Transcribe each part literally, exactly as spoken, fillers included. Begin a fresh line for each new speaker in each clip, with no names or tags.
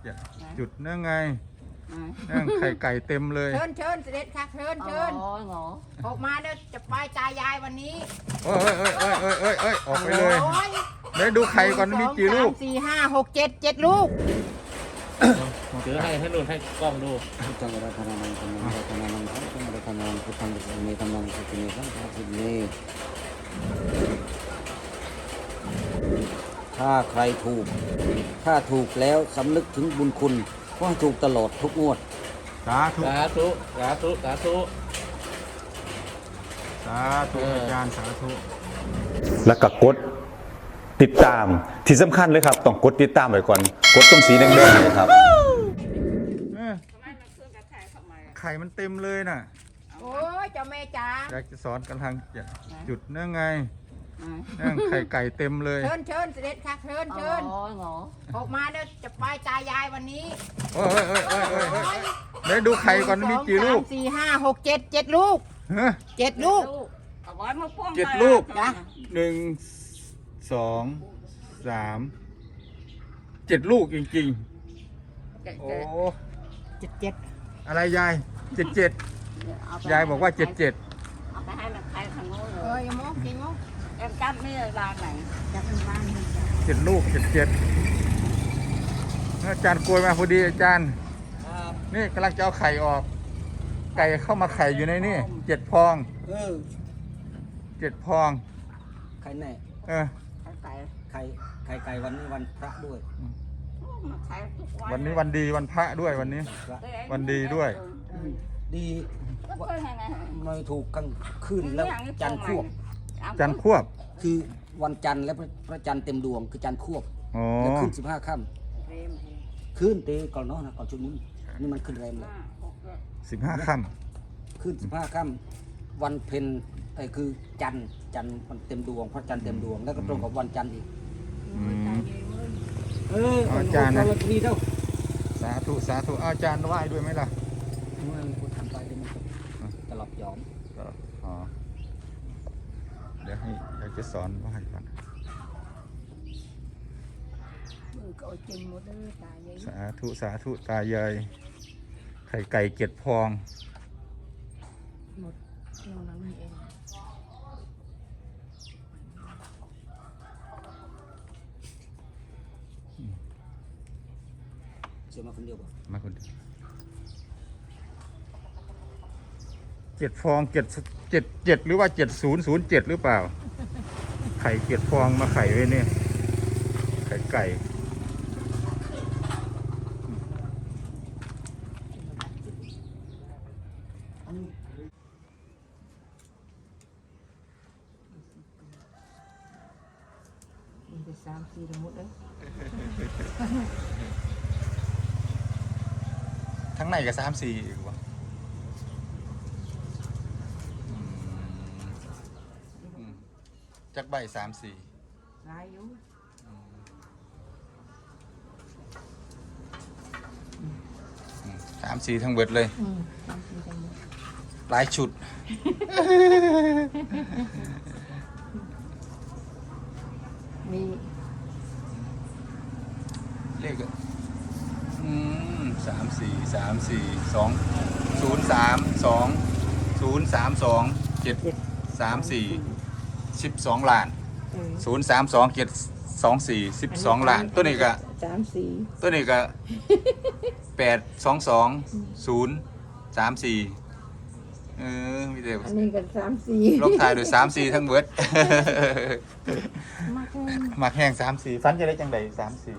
จุดนั่งไงนั่งไข่ไก่เต็มเลย
เชิญเชิญเสด็จค่ะเชิญเชิญออกมาเด้อจะไปตายายวันนี้
เอ้ยเอ้ยเอ้ยเอ้ยเอ้ยเอ้ยออกไปเลยเดี๋ยวดูไข่ก่อนมีกี่ลูก
สี่ห้าหกเจ็ดเจ็ดลูก
เดี๋ยวให้ให้นุ่นให้กล้องดู
จังหวัดพนังจังหวัดพนังจังหวัดพนังพุทธังสุเมธัมมังสุเมธัมมังสุเมถ้าใครถูกถ้าถูกแล้วสำนึกถึงบุญคุณก็ให้ถูกตลอดทุกงวด
สาธุ
สาธุสาธุสาธุ
สาธุอาจารย์สาธุ
แล้วก็กดติดตามที่สำคัญเลยครับต้องกดติดตามไว้ก่อนกดตรงสีแดงๆเลยครับ
ไข่มันเต็มเลยน่ะ
โอ้ยเจ้าแม่จ๋า
อยากจะสอนกำลังจุดนั่งไงนั่งไข่ไก่เต็มเลย
เชิญเชิญเสด็จค่ะเชิญเชิญออกมาเด้อจะไปตายายวันนี้
เอ้ยเอ้ยเอ้ยเอ้ยเอ้ยเดี๋ยวดูไข่ก่อนมีกี่ลูก
สี่ห้าหกเจ็ดเจ็ดลูกเจ็ดลูก
เจ็ดลูกหนึ่งสองสามเจ็ดลูกจริงๆโอ้
เจ็ดเจ็ด
อะไรยายเจ็ดเจ็ดยายบอกว่าเจ็ดเจ็ด
เอาไปให้มันใครทางโน้นเลย
เอ้ยมองจริงมอง
เอ็มจับนี่ร้านไหน
จับเป็นบ้าน
เจ็ดลูกเจ็ดเจ็ดอาจารย์กลวยมาพอดีอาจารย์นี่กำลังจะเอาไข่ออกไก่เข้ามาไข่อยู่ในนี่เจ็ดพอง
เออ
เจ็ดพอง
ไข่แน่
เออ
ไข่ไข่ไข่ไก่วันนี้วันพระด้วย
วันนี้วันดีวันพระด้วยวันนี้วันดีด้วย
ดีไม่ถูกกลางคืนแล้วจันทร์ควบ
จันทร์ควบ
คือวันจันทร์แล้วพระจันทร์เต็มดวงคือจันทร์ควบแล้วขึ้นสิบห้าค่ำขึ้นเตะก่อนเนาะนะก่อนชุดนี้นี่มันขึ้นแรงเลย
สิบห้าค่
ำขึ้นสิบห้าค่ำวันเพ็ญไอ้คือจันทร์จันทร์มันเต็มดวงพระจันทร์เต็มดวงแล้วก็ตรงกับวันจันทร์อีกเออ
อาจารย์นะ
ทีเท่า
สาธุสาธุอาจารย์ไหว้ด้วยไหมล่ะ
เมื่อกูทำไปเดี๋ยวมันจะหลับยอม
อ๋อเดี๋ยวให้อยากจะสอนไหว้ก่อนสาธุสาธุตายายไข่ไก่เจ็ดพอง
หมดเรานั้นเอง
เชื่อมาคนเดียวป่ะ
มาคนเดียวเจ็ดฟองเจ็ดเจ็ดเจ็ดหรือว่าเจ็ดศูนย์ศูนย์เจ็ดหรือเปล่าไข่เจ็ดฟองมาไข่ไว้เนี่ยไข่ไก่
สามสี่ทั้งหมดเลย
ทั้งในกับสามสี่อีกวะจักใบสามสี่
ลายอยู่
สามสี่ทั้งเบิดเลยหลายชุด
มี
เลขอืมสามสี่สามสี่สองศูนย์สามสองศูนย์สามสองเจ็ดสามสี่สิบสองล้านศูนย์สามสองเจ็ดสองสี่สิบสองล้านตัวนี้ก็
สามสี่
ตัวนี้ก็แปดสองสองศูนย์สามสี่เออมีแต่
อันนี้ก็สามสี่
ลบถ่ายโดยสามสี่ทั้งเบิดมักแห้งสามสี่ฟันจะได้จังใดสามสี่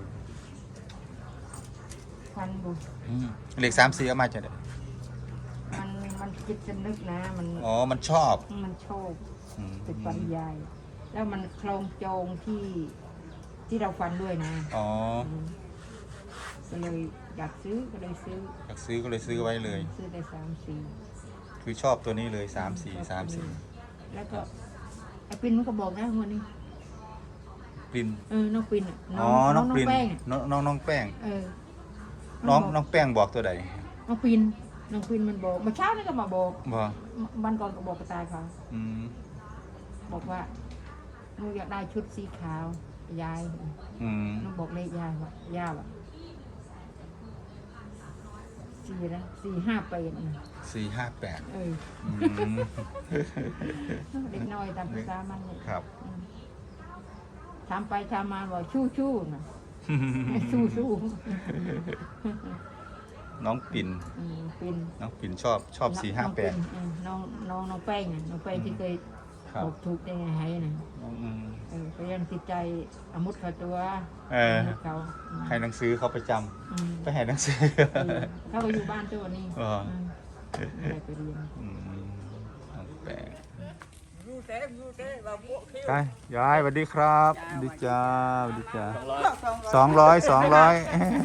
ฟันบุ
เลขสามสี่เอามาจะได้
มันมันจิตสนึกนะมัน
อ๋อมันชอบ
มันชอบเป็นฟันใหญ่แล้วมันคลองโจงที่ที่เราฟันด้วยนะ
อ๋อ
ก็เลยอยากซื้อก็เลยซื้อ
อยากซื้อก็เลยซื้อไว้เลย
ซื้อได้สามสี่
คือชอบตัวนี้เลยสามสี่สามสี่
แล้วก็ไอ้ปิ่นมันก็บอกนะวันนี้
ปิ่น
เออน้องปิ่น
อ๋อน้องปิ่นน้องน้องน้องแป้ง
เออ
น้องน้องแป้งบอกตัวใด
น้องปิ่นน้องปิ่นมันบอกเมื่อเช้านี่ก็มาบอก
บอก
วันก่อนก็บอกกระต่ายเขาบอกว่าหนูอยากได้ชุดสีขาวยายน้องบอกเลขยายว่ายายว่ะสี่แล้วสี่ห้าแปด
สี่ห้าแปด
เออ
อืม
เด็กน้อยตามภาษามันเลย
ครับ
อืมทำไปทำมาบอกชู้ชู้นะชู้ชู้
น้องปิ่น
อืมเป็น
น้องปิ่นชอบชอบสี่ห้าแปด
น้องน้องน้องแป้งอ่ะน้องแป้งที่เคย
ครับ
บอกถูกได้ไงให้นะ
อืม
เออก็ยังติดใจอามุดเขาตัว
เออ
มุดเขาอืม
ให้หนังสือเขาไปจ
อืม
ำไปให้หนังสือ
เออเขาก็อยู่บ้านตัวนี้
อ๋อ
มไม่ได้ไปเรียน
อืมน้องแปดไปยายสวัสดีครับสวัสดีจ้าสวัสดีจ้าสองร้อยสองร้อย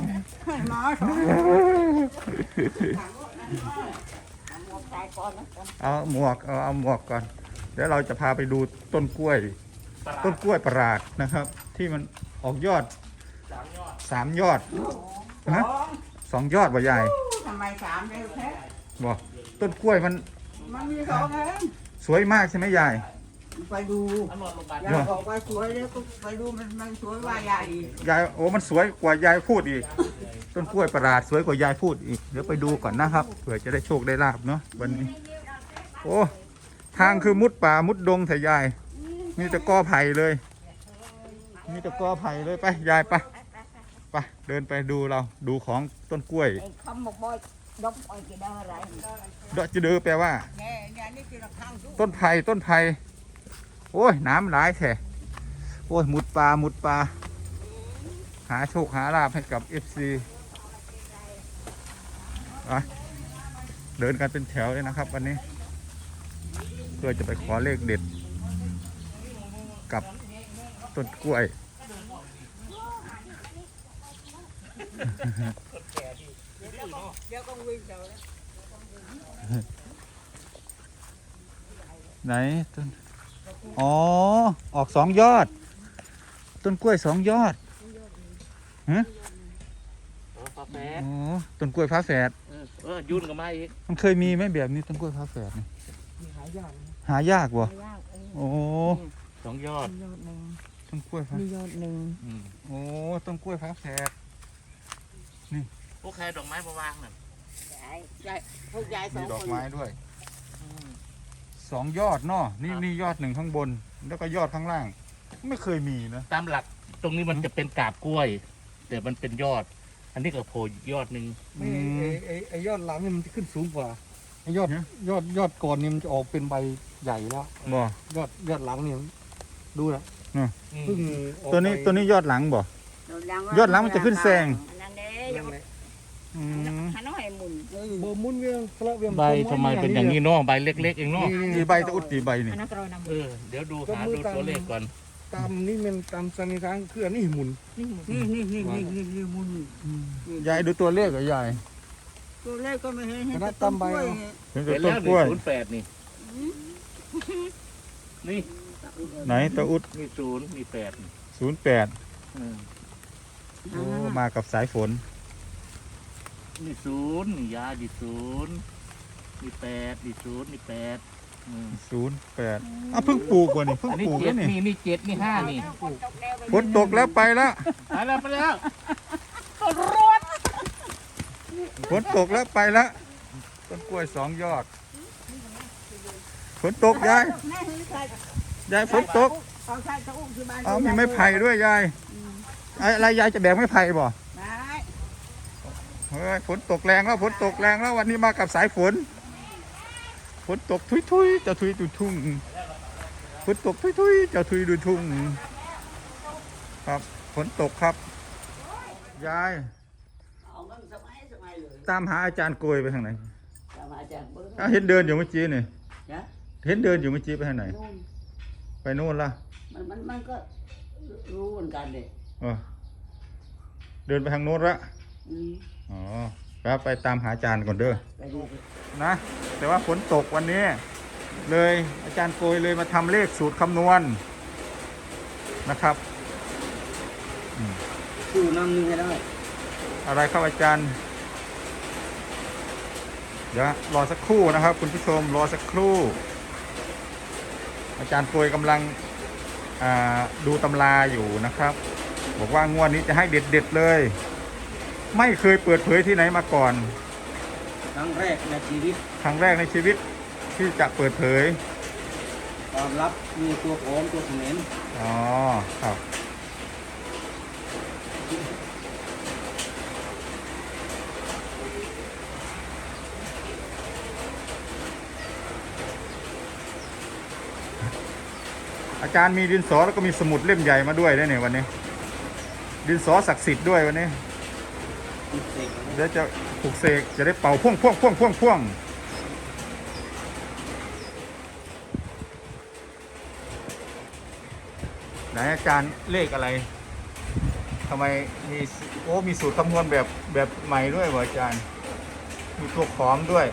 ตายก่อนนะ
เอาหมวกเอาเอาหมวกก่อน เดี๋ยวเราจะพาไปดูต้นกล้วย ต้นกล้วยประหลาดนะครับ ที่มันออกยอดสามยอดฮะสองยอดบ่ใหญ่
ทำไมสามเร็วแท้
บ่ต้นกล้วยมัน
มันมีสองเอง
สวยมากใช่ไหมยาย
ไปดู
อันนอนโรงพยาบาล
ยายบอกว่าสวยแล้วก็ไปดูมันมันสวยว่าใหญ่
ยายโอ้มันสวยกว่ายายพูดอีก ต้นกล้วยประหลาดสวยกว่ายายพูดอีก เดี๋ยวไปดูก่อนนะครับเผื่อจะได้โชคได้ลาบเนาะวันนี้ โอ้ทางคือมุดป่ามุดดงแต่ยาย มีแต่กอไผ่เลย มีแต่กอไผ่เลยไปยายไปไปเดินไปดูเราดูของต้นกล้วย
ไอ้คำบอกบอยดอกบอยกี่ดอกอะไร
ดอกจะเดือแปลว่า
แง่แง่นี่คือทางทุก
ต้นไผ่ต้นไผ่โอ้ยน้ำหลายแท้โอ้ยมุดปลามุดปลาหาโชคหาลาบให้กับเอฟซีเดินกันเป็นแถวเลยนะครับ วันนี้ เพื่อจะไปขอเลขเด็ด กับต้นกล้วย
เดี๋ยวก็วิ่งเดี๋ยว
ไหนต้นอ๋อออกสองยอด ต้นกล้วยสองยอดฮะ
โอ้ฟ้าแฝด
อ๋อต้นกล้วยฟ้าแฝด
เออเออยุ่นกับมาอีก
มันเคยมีไหมแบบนี้ต้นกล้วยฟ้าแฝดนี่
มีหายอด
หายากบ่
หายากเออ
โอ้
สองยอด
มียอดหนึ่ง
ต้นกล้วยฟ้า
มียอดหนึ่ง
อืม
โอ้ต้นกล้วยฟ้าแฝด
พวกใครดอกไม้มาวางน่ะ
ยายยายพวกยายสอ
มี
ง
ดอก
คน
ไม้ด้วย
อืม
สองยอดเนาะนี่นี่ยอดหนึ่งข้างบน แล้วก็ยอดข้างล่าง ไม่เคยมีนะ
ตามหลักตรงนี้มันจะเป็นกาบกล้วย แต่มันเป็นยอด อันนี้ก็โผล่ยอดหนึ่ง
อืม
ไอ้ไอ้ไอ้ยอดหลังนี่มันจะขึ้นสูงกว่าไอ้ยอด
ฮะ
ยอดยอดก่อนนี่มันจะออกเป็นใบใหญ่แล้ว
บ่
ยอดยอดหลังนี่ดูนะ
อืม
เพิ่งออก
ตัวนี้
ไป
ตัวนี้ยอดหลังบ่ ยอดหลังมันจะขึ้นแซง
นั่นเด้
นั่นแหละ
อืม
หันน้อยหมุน
เออบ่มุนเวียงทะเลาะเวียง
ใบทำไมเป็นอย่างนี้เนาะใบเล็กๆเองเนาะ
กี่ใบตะอุดกี่ใบนี่
อันนั้นก็เรานำ
เออเดี๋ยวดูหาดูตัวเลขก่อน
ตามนี่มันตามสันนิษฐานคืออันนี้หมุน
นี่หมด
นี่นี่นี่นี่นี่นี่หมุน
ยายดูตัวเลขเหรอยาย
ตัวเลขก็ไม่เห็นเห็น
คณะ
แต่
ตา
ต้
ม
น
ใบ
กล้วย
เอา
เห็น
เป็
แต่
น
ต้
แล้วหนึ่ง
นกล้วย
ศูนย์แปดนี่นี่
ไหนตะอุด
มีศูนย์มีแปดนี่
ศูนย์แปด
เออ
โอ้มากับสายฝน
นี่ศูนย์นี่ยาดีศูนย์มีแปดดีศูนย์มีแปดอืม
ศูนย์แปดอ่ะเพิ่งปลูกว่ะนี่เพิ่ง
อันนี้
ปลูก
เจ็
แล้
ด
วนี่
นี่นี่เจ็ดนี่ห้านี่
ฝนตกแล้วไปแล้ว
ไปแล้วไปแล้ว
ฝนตกแล้วไปแล้วต้นกล้วยสองยอดฝนตกยายยายฝนตก
เอาใส่ตะอุ้มที่บ้าน
เอามีไม้ไผ่ด้วยยายไอ้อะไรยายจะแบกไม้ไผ่บ่
ได้
เฮ้ยฝนตกแรงแล้วฝนตกแรงแล้ววันนี้มากับสายฝนฝนตกทุยทุยๆจะทุยดูทุ่งฝนตกทุยทุยๆจะทุยดูทุ่งครับฝนตกครับยาย
เอาเงินสมัยสมัยเลย
ตามหาอาจารย์โกยไปทางไหน
สมัยจากเบิ้ง
อ้าวเห็นเดินอยู่เมื่อกี้นี่
นะ
เห็นเดินอยู่เมื่อกี้ไปทางไหน
นู่น
ไปโน่นละ
มันมันมันก็รู้เหมือนกันเลย
เออเดินไปทางโน้นละ
อืม
อ๋อแล้วไปตามหาอาจารย์ก่อนเด้อ
ไปดูสิ
นะ แต่ว่าฝนตกวันนี้ เลยอาจารย์โกยเลยมาทำเลขสูตรคำนวณนะครับ
สู้น้ำนึงให้ได้
อะไรครับอาจารย์ เดี๋ยวรอสักครู่นะครับ คุณผู้ชมรอสักครู่ อาจารย์โกยกำลังอ่าดูตำราอยู่นะครับ บอกว่างวดนี้จะให้เด็ดๆเลย ไม่เคยเปิดเผยที่ไหนมาก่อน
ครั้งแรกในชีวิต
ครั้งแรกในชีวิตที่จะเปิดเผย
ความลับมีตัวโผมตัวเขมร
อ๋อครับอาจารย์มีดินสอแล้วก็มีสมุดเล่มใหญ่มาด้วยด้วยเนี่ยวันนี้ ดินสอศักดิ์สิทธิ์ด้วยวันนี้
เสก
เดี๋ยวจะปลุกเสกจะได้เป่าพ่วงพ่วงพ่วงพ่วงพ่วงไหนอาจารย์เลขอะไรทำไมมีโอ้มีสูตรคำนวณแบบแบบใหม่ด้วยวะอาจารย์ มีตัวขอมด้วย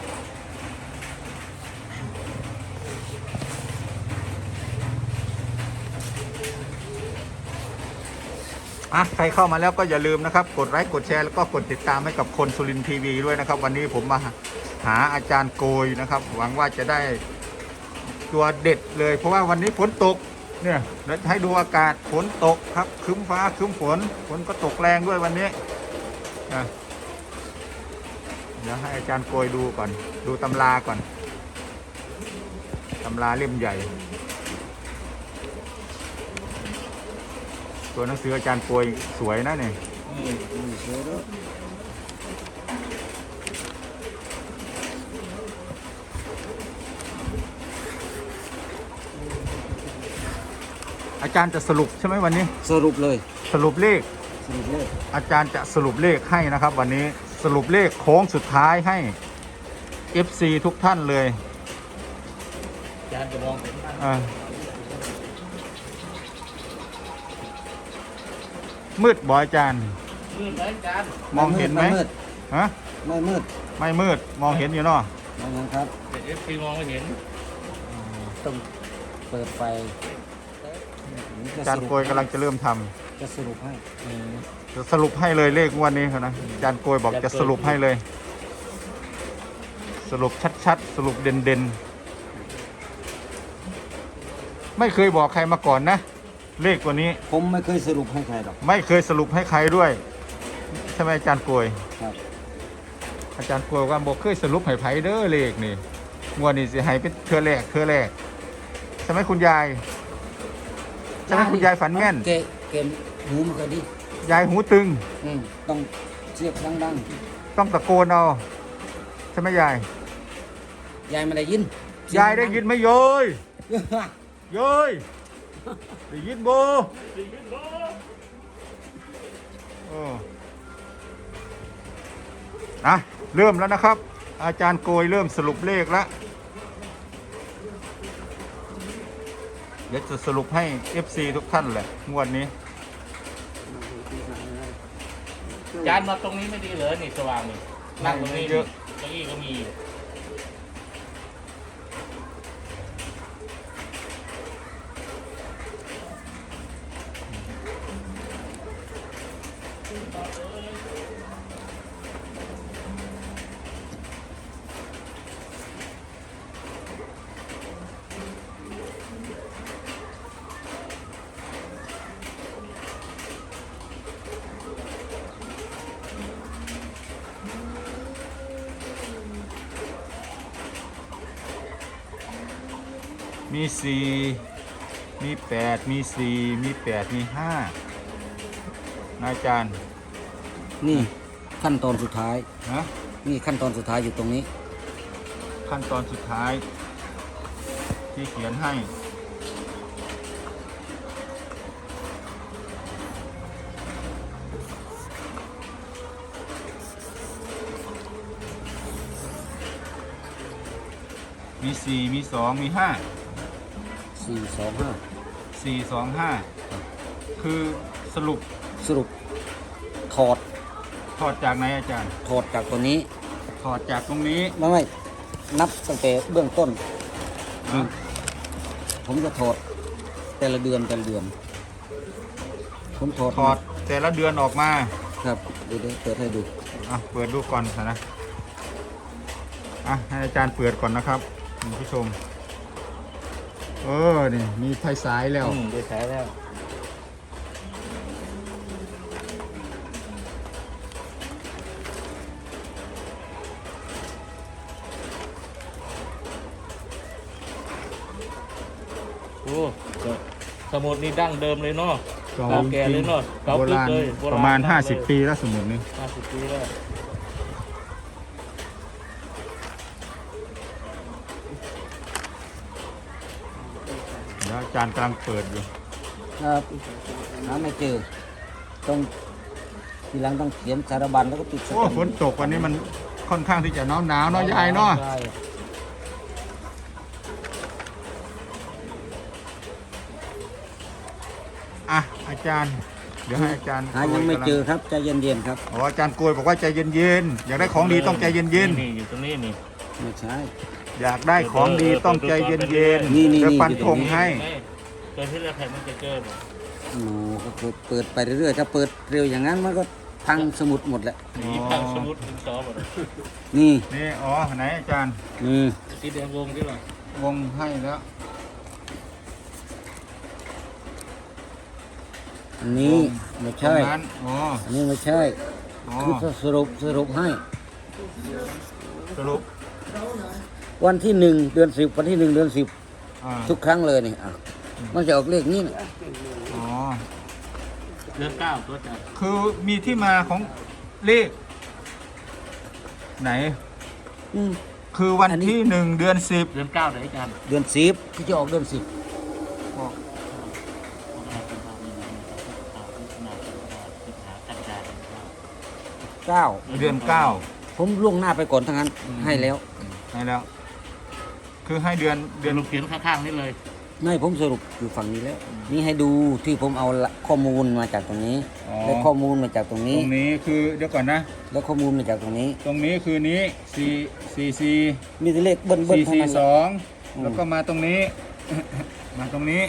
อ่ะใครเข้ามาแล้วก็อย่าลืมนะครับกดไลค์กดแชร์แล้วก็กดติดตามให้กับคนสุรินทร์ทีวีด้วยนะครับ วันนี้ผมมาหาอาจารย์โกยนะครับ หวังว่าจะได้ตัวเด็ดเลย เพราะว่าวันนี้ฝนตกเนี่ยเดี๋ยวให้ดูอากาศฝนตกครับครึ้มฟ้าครึ้มฝนฝนก็ตกแรงด้วยวันนี้นะเดี๋ยวให้อาจารย์โกยดูก่อนดูตำราก่อนตำราเล่มใหญ่ ตัวหนังสืออาจารย์โกยสวยนะเนี่ย
นี่นี่เสือด้วย
อาจารย์จะสรุปใช่ไหมวันนี้
สรุปเลย
สรุปเลข
สรุปเลย
อาจารย์จะสรุปเลขให้นะครับ วันนี้สรุปเลขโค้งสุดท้ายให้ เอฟ ซี ทุกท่านเลย
อาจารย์จะมองเห็นบ้าง
อ่ามืดบ่อาจารย์
มืดไหมอาจารย์
มองเห็นไหม
มืด
ฮะ
ไม่มืด
ไม่มืดมองเห็นอยู่เนาะ
ไม่มืดครับ
เดี๋ยวเอฟซีมองไม่เห็น
ต้องเปิดไฟ
อาจารย์โกยกำลังจะเริ่มทำ
จะสรุปให้
จะสรุปให้เลยเลขงวันนี้ครับนะอาจารย์โกยบอกจะสรุปให้เลย สรุปชัดๆ สรุปเด่นๆ ไม่เคยบอกใครมาก่อนนะ เลขตัวนี้
ผมไม่เคยสรุปให้ใครหรอก
ไม่เคยสรุปให้ใครด้วยใช่ไหมอาจารย์โกย
ครับ
อาจารย์โกยว่าบอกเคยสรุปให้ไผเด้อเลขนี่งวดนี้สิให้เป็นเทือแรกเทือแรกใช่ไหมคุณยายใช่ไหมคุณยายฝันแม่น
เกะเกมหูมันก็ดี
ยายหูตึง
อืมต้องเสียบดัง
ต้องตะโกนเอาใช่ไหมยาย
ๆยายไม่ได้ยิน
ยายได้ยินไหมโยยโยยได้ยินโบโอ้อะเริ่มแล้วนะครับ อาจารย์โกยเริ่มสรุปเลขแล้วเดี๋ยวจะสรุปให้ เอฟ ซี ทุกท่านแหละงวดนี้
อาจารย์มาตรงนี้ไม่ดีเหรอนี่สว่างนี่นั่งตรงนี้
เยอะ
เก้าอี้ก็มีอยู่
มีสี่มีแปดมีสี่มีแปดมีห้านะอาจารย์
นี่ขั้นตอนสุดท้าย
นะ
นี่ขั้นตอนสุดท้ายอยู่ตรงนี้
ขั้นตอนสุดท้าย ที่เขียนให้มีสี่มีสองมีห้า
สี่ สอง ห้า
สี่สองห้าคือสรุป
สรุปถอด
ถอดจากไหนอาจารย์
ถอดจากตัวนี้
ถอดจากตรงนี้
ไม่ไม่นับตั้งแต่เบื้องต้น
นะ
ผมจะถอดแต่ละเดือนแต่ละเดือน ผมถอด
ถอดแต่ละเดือนออกมา
ครับเดี๋ยวๆเปิดให้ดู
อ่ะเปิดดูก่อนนะอ่ะให้อาจารย์เปิดก่อนนะครับคุณผู้ชมเออนี่มีไฟสายแล้ว
อืมได้ใช้แล้วโอ้สมุดนี่ดั้งเดิมเลยเนาะ
เก่า
เก่าแก่เลยเนาะเก่า
โบ
ลึก
ราณ
เลยโบ
ประมาณ
ก
ห้าสิบ
เลย
ปีแล้วสมุดนี้
ห้าสิบปีแล้ว
เดี๋ยวอาจารย์กำลังเปิดอยู่
ครับหาไม่เจอต้องทีหลังต้องเขียนสารบัญแล้วก็ติดส
โอ้
แตมป์
ฝนตกวันนี้มันค่อนข้างที่จะหนาวหนาวๆเนาะยายเนาะ
ใช่
อ่ะอาจารย์ เดี๋ยวให้อาจารย์
หายังไม่เจอครับใจเย็นๆครับ
อ๋ออาจารย์โกยบอกว่าใจเย็นๆอยากได้ของดีต้องใจเย็น
นี่อยู่ตรงนี้นี่
ไม่ใช่
ๆอยากได้ของดีต้องใจเย็น
นี่นี่
ๆจะ
นี่
ฟันธงให้
เจอที่เราแผ่นมันจะเจอบ่
โอ้ก็เปิดเปิดไปเรื่อยๆถ้าเปิดเร็วอย่างนั้นมันก็พังสมุดหมดแหละ
หนีพังสมุดถึงซอบ่
นี่
นี่อ๋อไหนอาจารย์
นี่
สีแดงวงที่หรอ
วงให้แล้ว
อันนี้ไม่
ตร
ใช่
งนั้นอ๋อ
อันนี้ไม่ใช่
อ๋อ
คือสรุปสรุปให้
สรุป
วันที่หนึ่งเดือนสิบวันที่หนึ่งเดือนสิบ
อ่า
ทุกครั้งเลยนี่อ่ะมันจะออกเลขนี้นะ
อ๋อ
เดือนเก้าตัวจัด
คือมีที่มาของเลข ไหน
อืม
คือวัน
อันนี้
ที่หนึ่งเดือนสิบ
เดือนเก้าเดี๋ยวอาจารย์
เดือนสิบที่จะออกเดือนสิบเก้า
เดือนเก้า
ผมล่วงหน้าไปก่อนทั้งนั้นให้แล้ว
ให้แล้ว คือให้เดือนเดื
เดื
อ
อน นลูกเขียนข้างๆนี่เลย
ไม่ผมสรุปอยู่ฝั่งนี้แล้ว นี่ให้ดูที่ผมเอาละข้อมูลมาจากตรงนี้
อ๋อ
และข้อมูลมาจากตรง
ต
นี้
รงนี้คือเดี๋ยวก่อนนะ
และข้อมูลมาจากตรงนี้
ตรงนี้คือนี้สี่สี่สี่
มีแต่เลขเบิ้ลเบิ้ล
สี่
เท่า
สี่
นั้น
สอง
อืม
แล้วก็มาตรงนี้ มาตรงนี้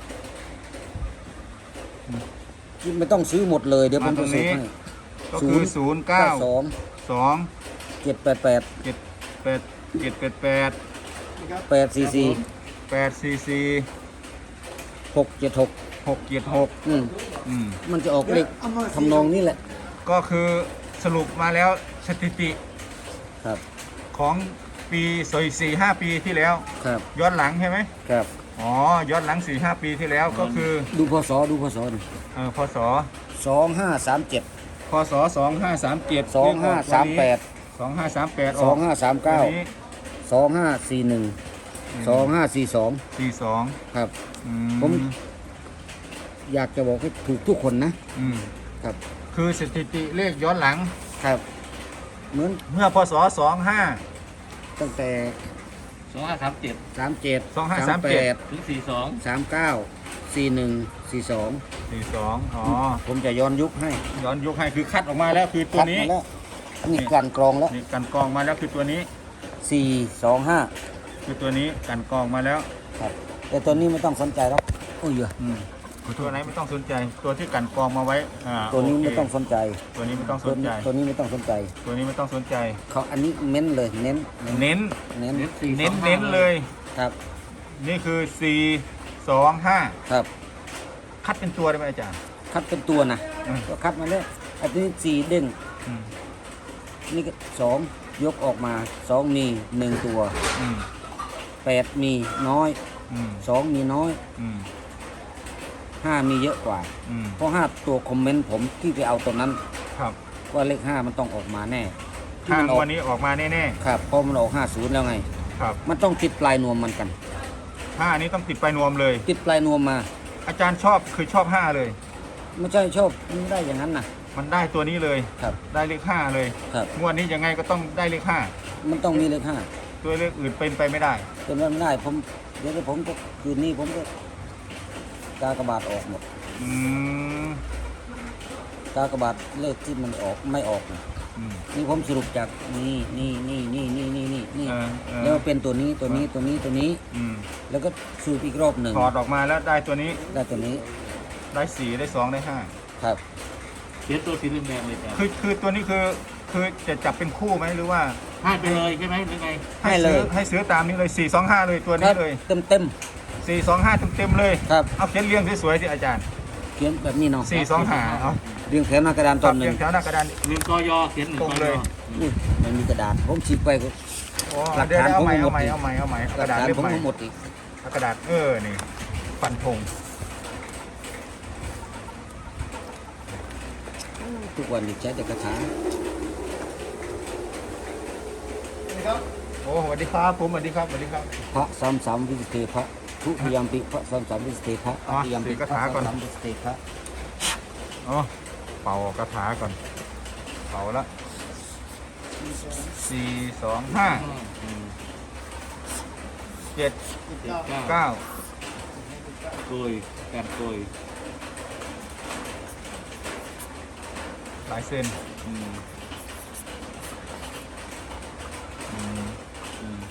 ไม่ต้องซื้อหมดเลยเดี๋ยวผม
มาตร
จะ
ง
ซื้
นี้
อให้
ก็คือศูนย์เก้า
สอง
สอง
เจ็ดแปดแปด
เจ็ดแปดเจ็ดแปดแปด
แปดสี่สี่
แปดสี่สี่
หกเจ็ดหก
หกเจ็ดหก
อืม
อืม
มันจะออกเลขทำนองนี้แหละ
ก็คือสรุปมาแล้วสถิติ
ครับ
ของปีสอยสี่ห้าปีที่แล้ว
ครับ
ย้อนหลังใช่ไหม
ครับ
อ๋อ ย้อนหลังสี่ห้าปีที่แล้วก็คือ
ดูพศดูพศหน่อย
เออพศ
สองห้าสามเจ็ด
พศสองห้าสามเจ็ด
สองห้าสามแปด
สองห้าสามแปด
สองห้าสามเก้า
นี้
สองห้าสี่หนึ่งสองห้าสี่สอง
สี่สอง
ครับ
อื
ผม อยากจะบอกให้ถูกทุกคนนะ
อืม
ครับ
คือสถิติเลขย้อนหลัง
ครับ เหมือน
เมื่อพศสองห้า
ตั้งแต่
สองห้าสามเจ็ด
สามเจ็ด
สองห้าสามเจ็ด
ด
ถึงสี่สอง
สามเก้าสี่หนึ่งสี่สอง
สี่สองอ๋อ
ผมจะย้อนยุคให้
ย้อนยกให้คือคัดออกมาแล้วคือตัว
คัด
นี้
มาแล้วนี่กลั่นกรองแล้ว
นี่กันกรองมาแล้วคือตัวนี้
สี่สองห้า
คือตัวนี้กันกรองมาแล้ว
ครับ แต่ตัวนี้ไม่ต้องสนใจหรอกโอ้ยเยอะ
อืมตัวไหนไม่ต้องสนใจ ตัวที่กันกรองมาไว้อ่า
ตัวนี้
โเค
ไม่ต้องสนใจ
ตัวนี้ไม่ต้องส
ตัวน
ใจ
นี้ตัวนี้ไม่ต้องสนใจ
ตัวนี้ไม่ต้องสนใจ
เขาอันนี้เน้นเลยเน้น
เน้น
เน้น
เน้นสี่
เน้น
สองห้า
เน้นเลย
ครับ
นี่คือสี่สองห้า
ครับ
คัดเป็นตัวได้ไหมอาจารย์
คัดเป็นตัวนะ
อืม
ก็คัดมาแล้วอันนี้สี่เด้ง
อืม
นี่ก็สองยกออกมาสองมีหนึ่งตัว
อืม
แปดมีน้อย
อืม
สองมีน้อย
อืม
ห้ามีเยอะกว่า
อืม
เพราะห้าตัวคอมเมนต์ผมที่ไปเอาตัวนั้น
ครับ
ว่าเลขห้ามันต้องออกมาแน่ที่
ทาง
มันออก
วันนี้ออกมาแน่
ครับเพราะมันออกห้าศูนย์แล้วไง
ๆครับ
มันต้องติดปลายนวมมันกัน
ห้านี้ต้องติดไปนวมเลย
ติดปลายนวมมา
อาจารย์ชอบคือชอบห้าเลย
ไม่ใช่ชอบไม่ได้อย่างนั้นนะ
มันได้ตัวนี้เลย
ครับ
ได้เลขห้าเลย
ครับ
งวดนี้ยังไงก็ต้องได้เลขห้า
มันต้องมีเลขห้า
ตัวเลขอื่นเป็นไปไม่ได้
เป็นไปไม่ได้ผมเดี๋ยวผมก็คืนนี้ผมก็กากบาทออกหมด
อืม
กากบาทเลขที่มันออกไม่ออกนะ
อืม
นี่ผมสรุปจากนี่นี่นี่นี่นี่นี่นี่นี่
เออเออ
แล้วเป็นตัวนี้ตัวนี้ตัวนี้ตัวนี้
อืม
แล้วก็สรุปอีกรอบหนึ่ง
ถอดออกมาแล้วได้ตัวนี้
ได้ตัวนี้
ได้สี่ได้สองได้ห้า
ครับ
เขียนตัวสีแดงๆเลยจ้ะ
คือคือตัวนี้คือคือจะจับเป็นคู่ไหมหรือว่า
ให้ไปเลยใช่ไหมหรือไง
ให้เลย
ซื้อให้ซื้อตามนี้เลยสี่สองห้าเลยตัว
ค
นี้
รับ
เลย
เต็มเต็ม
สี่สองห้าเต็มๆเลย
ๆครับ
เอาเขียนเรียงสวยๆที่อาจารย์
เขียนแบบนี้เนาะ
สี่สองห้าเอา
เรียงแถวหน้ากระดานต
ตั
อ
ด
นห
เรี
นึ่
ย
ง
งแถวหน้ากระดาน
หนึ่งกยเขียนหนึ่ง
ตรง
ก
เลย
ย
อุ้ยไม่มีกระดาษผมฉีกไปก็
โอ้
หลัก
เดี๋ยว
ฐาน
เอาใหม่
ผม
เอาใหม่
หมด
เอาใหม่เอาใหม่
ห
ก
ลั
ระ
ก
ดาษ
ฐาน
เล่ม
ผม
ใหม่
ทั้งหมดอีก
เอากระดาษเออนี่ฟันธง
ทุกวันนี้ใช้แต่คาถา
โอ้สวัสดีครับผมสวัสดีครับสวัสดีครับ
พระสามสามวิสเตพระทุติยมปิพระสามสามวิสเตพระ
อ๋อ
ทุติยมปิ
สี่
พ
คา
ระ
ถา
สาม
ก่อน
สามวิสเตพระ
อ๋อเป่ากระถาก่อน เป่าละสี่สองห้าเจ็ดเก้า
โกยการโกย
หลายเส้น
อืม
อืม
อืม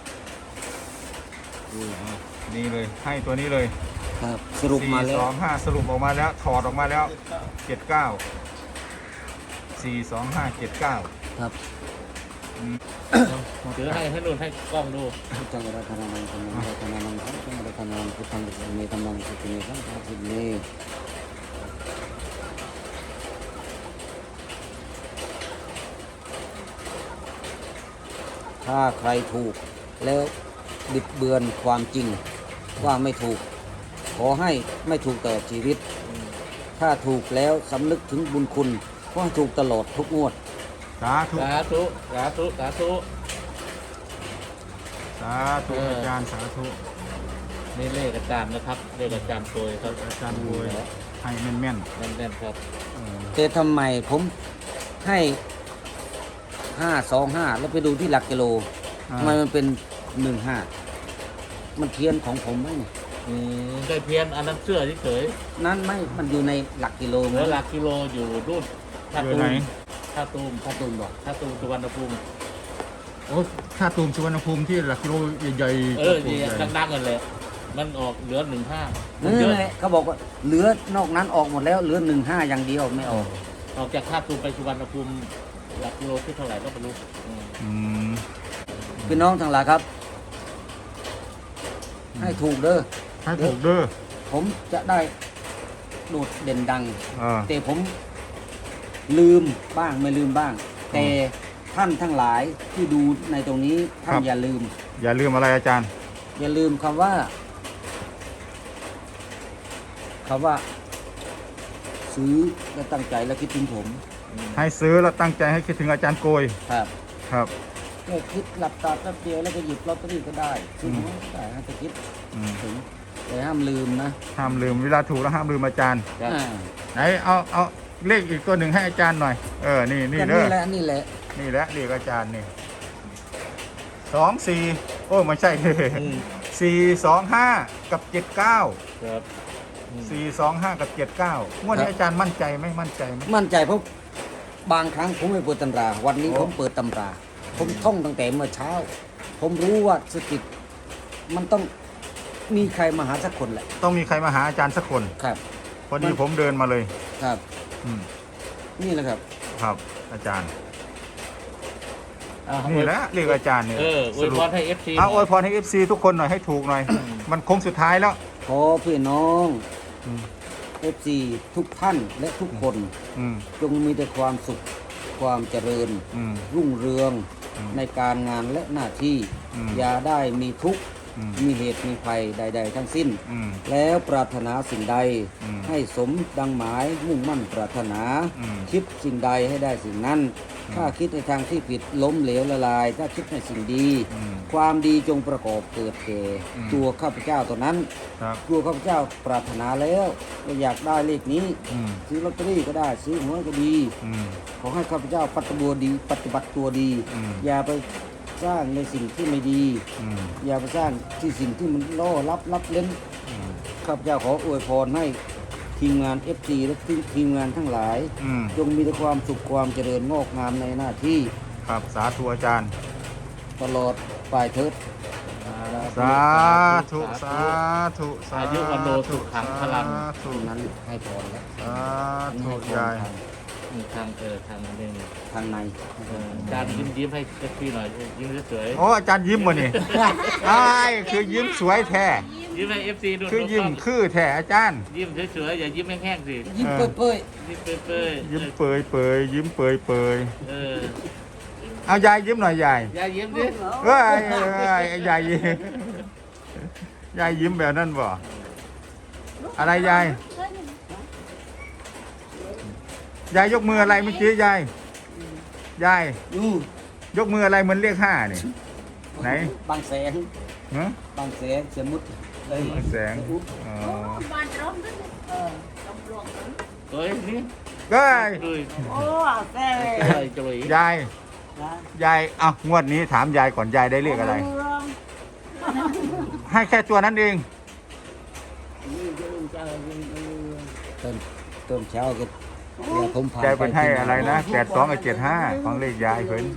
ดูอ่ะ
นี่เลยให้ตัวนี้เลย
ครับสรุปมาแล้
สี่
ว
สองห้าสรุปออกมาแล้วถอดออกมาแล้วเจ็ดเก้าสี่สองห้าเจ็ดเก้า
ครับ
ถือให้ให้นุ่นให้กล้องดู
พุทธังรัตนานังธรรมังรัตนานังสังฆังรัตนานังพุทธังรัตนานังธรรมังสุติเนสังฆังสุติเนถ้าใครถูกแล้วบิดเบือนความจริงว่าไม่ถูก ขอให้ไม่ถูกตลอดชีวิต ถ้าถูกแล้วสำนึกถึงบุญคุณก็ให้ถูกตลอดทุกงวด
สาธุ
สาธุสาธุสาธุ
สาธุอาจารย์สาธุ
นี่เลขอาจารย์นะครับเลขอาจารย์โกยครับ
อาจารย์รวยให้แม่นแม่น
แน่นๆครับ
แต่ทำไมผมให้ห้าสองห้าแล้วไปดูที่หลักกิโล
ๆอ่า
ทำไมมันเป็นหนึ่งห้ามันเพี้ยนของผมไหมเนี่ย
อืมได้เพี้ยนอันนั้นเสื้อเฉย
นั้นไม่มันอยู่ในหลักกิโล
ๆเห
ไหม
ลือหลักกิโลอยู่รุ่นท่า
อยู่
ตู
ไหน
มท่าตูม
พระตูนบอก
ท่าตูมสุวรรณภูมิ
โอ้ถ้าตูมสุวรรณภูมิที่หลักกิโลใหญ่ๆ
เออ
ตัว
ดี
ใหญ่
ดังๆกันเลยมันออกเหลือหนึ่งห้า
นั่นแหละเขาบอกว่าเหลือนอกนั้นออกหมดแล้วเหลือหนึ่งห้าอย่างเดียวไม่ออก
ออกจากท่าตูมไปสุวรรณภูมิหลักกิโลที่เท่าไหร่ก็ไม่รู้อืม
อืม
พี่น้องทั้งหลายครับ ให้ถูกเด้อ
ให้ถูกเด้อ
ผมจะได้โดดเด่นดัง
เออ
แต่ผมลืมบ้างไม่ลืมบ้าง แต่ท่านทั้งหลายที่ดูในตรงนี้ท่านอย่าลืม
อย่าลืมอะไรอาจารย์
อย่าลืมคำว่าคำว่า ซื้อและตั้งใจและคิดถึงผม
ให้ซื้อแล้วตั้งใจให้คิดถึงอาจารย์โกย
ครับ
ครับ
แค่คิดหลับตาแป๊บเดียวแล้วก็หยิบลอตเตอรี่ก็ได้ซื้อหวยก็ได้ให้จะคิด
อืม
ถึงแต่ห้ามลืมนะ
ห้ามลืมเวลาถูกแล้วห้ามลืมอาจารย์
ครับ
อ่า
ไหนเอาเอาเลขอีกตัวหนึ่งให้อาจารย์หน่อย เออ นี่นี่
ก็
เด้
นี่
อ
แหละนี่แหละ
นี่แหละเลขอาจารย์นี่สองสี่โอ้ไม่ใช่
อืม
สี่สองห้ากับเจ็ดเก้า
ครับอืม
สี่สองห้ากับเจ็ดเก้างวดนี้อาจารย์มั่นใจไหมมั่นใจไหม
มั่นใจเพราะบางครั้งผมไม่เปิดตำรา วันนี้
โอ้
ผมเปิดตำรา ผมท่องตั้งแต่เมื่อเช้า ผมรู้ว่าสกิดมันต้องมีใครมาหาสักคนแหละ
ต้องมีใครมาหาอาจารย์สักคน
ครับ
พอดีผมเดินมาเลย
ครับ
อืม
นี่แหละครับ
ครับ อาจารย์
อ่า
นี่แหละเลขอาจารย์เนี่ย
เอออวยพรให้เอฟซี
เอาอวยพรให้เอฟซีทุกคนหน่อยให้ถูกหน่อย มันโค้งสุดท้ายแล้ว
ขอพี่น้อง
อืม
เอฟซีทุกท่านและทุกคน
อืม
จงมีแต่ความสุข ความเจริญ
อืม
รุ่งเรือง
อืม
ในการงานและหน้าที่
อืม
อย่าได้มีทุกข์
อืม
มีเหตุมีภัยใด ๆ ทั้งสิ้น
อืม
แล้วปรารถนาสิ่งใด
อืม
ให้สมดังหมายมุ่งมั่นปรารถนา
อืม
คิดสิ่งใดให้ได้สิ่งนั้น
ม
ถ้าคิดในทางที่ผิดล้มเหลวละลาย ถ้าคิดในสิ่งดี
อืม
ความดีจงประกอบเกิดแก่
อืม
ตัวข้าพเจ้าตัวนั้น
ครับ
ตัวข้าพเจ้าปรารถนาแล้วก็อยากได้เลขนี้
อืม
ซื้อลอตเตอรี่ก็ได้ซื้อหวยก็ดี
อืม
ขอให้ข้าพเจ้าปฏิบัติตัวดีปฏิบัติตัวดี
อืม
อย่าไปสร้างในสิ่งที่ไม่ดี
อืม
อย่าไปสร้างที่สิ่งที่มันล่อลับลับเล่น
อืม
ข้าพเจ้าขออวยพรให้ทีมงาน เอฟ ซี และทีมงานทั้งหลาย
อืม
จงมีแต่ความสุขความเจริญงอกงามในหน้าที่
ครับสาธุอาจารย์
ตลอดปลายเถิด
สาธุสาธุสา
อายุวันโนสุขังพลัง
สาธุ
ตรงนั้นให้พรแล้ว
สาธุ
ให้พร
ยาย
ทาง
อืมทางเออทางนี้นี่
ทางใน
เอออาจารย์ยิ้มยิ้มให้เอฟซีหน่อยยิ้มสวย
โอ้อาจารย์ยิ้มมานี่ ไอ้ายคือยิ้มสวยแท้
ๆยิ้มให้เอฟซีดู
คือยิ้ม
ดูกล้ง
คือแท้อาจารย์
ยิ้มสวยๆอย่ายิ้มแห้งๆสิ
ยิ้ม
เออ
เปื่อย
ยิ้มเปื่อยๆ
ยิ้มเปยเปยยิ้มเปยเปย
เออ
เอายายยิ้มหน่อยยาย
อย่ายิ้มดิ
เอ้ยเอ้ยยายยิ้มยายยิ้มแบบนั้นบ่อะไรยายยายยกมืออะไรเมื่อกี้ยายยาย
อืม
ยกมืออะไรเหมือนเลขห้านี่ไหน
บางแสน
ฮะ
บางแสนสมมุติเอ้ย
แสงอ๋อ
บ้านร้อนนั่นเออตำรวจ
เฮ้ยนี่
ก็
เฮ้ย
โอ้แก่
เฮ้ยจุ๋ย
ยาย
นะ
ยายเอ้างวดนี้ถามยายก่อนยายได้เลขอะไร ให้แค่ตัวนั้นเอง
นี่จะลงใจยังเออ
ต้นต้นเช้าก็เดี๋ยวผมพาย
ายเป็นให้อะไรนะแปดสองกับเจ็ดห้าของเลขยายเพิ่น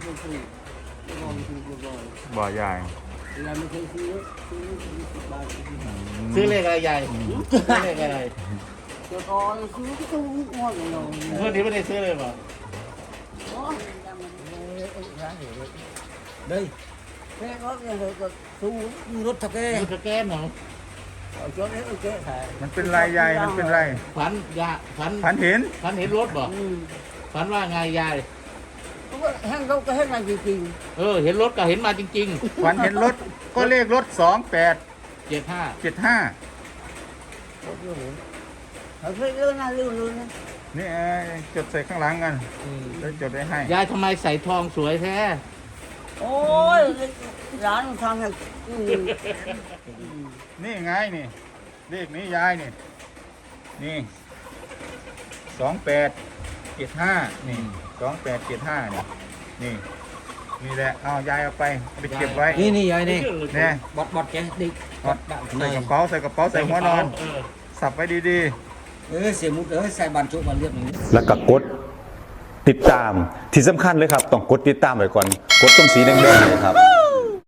บ่ยาย
เราไม่เคยซื้อซื้อสิบบาท
ซื้อเลขอะไรใหญ่ซื้อเลขอะไร
จะก็ซื้อที่ตู้งวดเลย
เมื่อนี้ไม่ได้ซื้อเลยป่ะ
โอ้ยยังมัน
เด้ย
แค่ก็ยังเลยก็สู้
มีรถทักแก
ดูสแกนเหรอ
เอาจนนี้โอเคถ่าย
มันเป็นไรยายมันเป็นไร
ฝันยาฝัน
พันเห็น
ฝันเห็นรถบ่
อืม
ฝันว่าไงยาย
ก็แห้งเขาก็แห้งมาจริง
เออ เห็นรถก็เห็นมาจริง
พันเห็นรถก็เลขรถสองแปด
ๆเจ็ดห้า
เจ็ดห้า
ๆเขาเคยเรื่องน่าเรื่องเลยนะ
นี่เอ้ยจดใส่ข้างหลังกันแล้วจดไว้ให้
ยายทำไมใส่ทองสวยแท้
โอ้ยร้านมันทำให้อืม
นี่ไงนี่เลขนี้ยายนี่นี่สองแปดเจ็ดห้านี่สองแปดเจ็ดห้านี่นี่นี่แหละเอายายเอาไปเอาไปเก็บไว้
นี่นี่ยายนี่
เนี่ย
บอดบอดแกดิ
เอาใส่กระเป๋าใส่กระเป๋าใส่หัวนอน
เออ
สับไว้ดี
เออเสียมุดเอ้ยใส่บานชุบมาเรียบอย่างนี้
แล้วก็กดติดตามที่สำคัญเลยครับ ต้องกดติดตามไว้ก่อน กดตรงสีแดงๆเนยครับ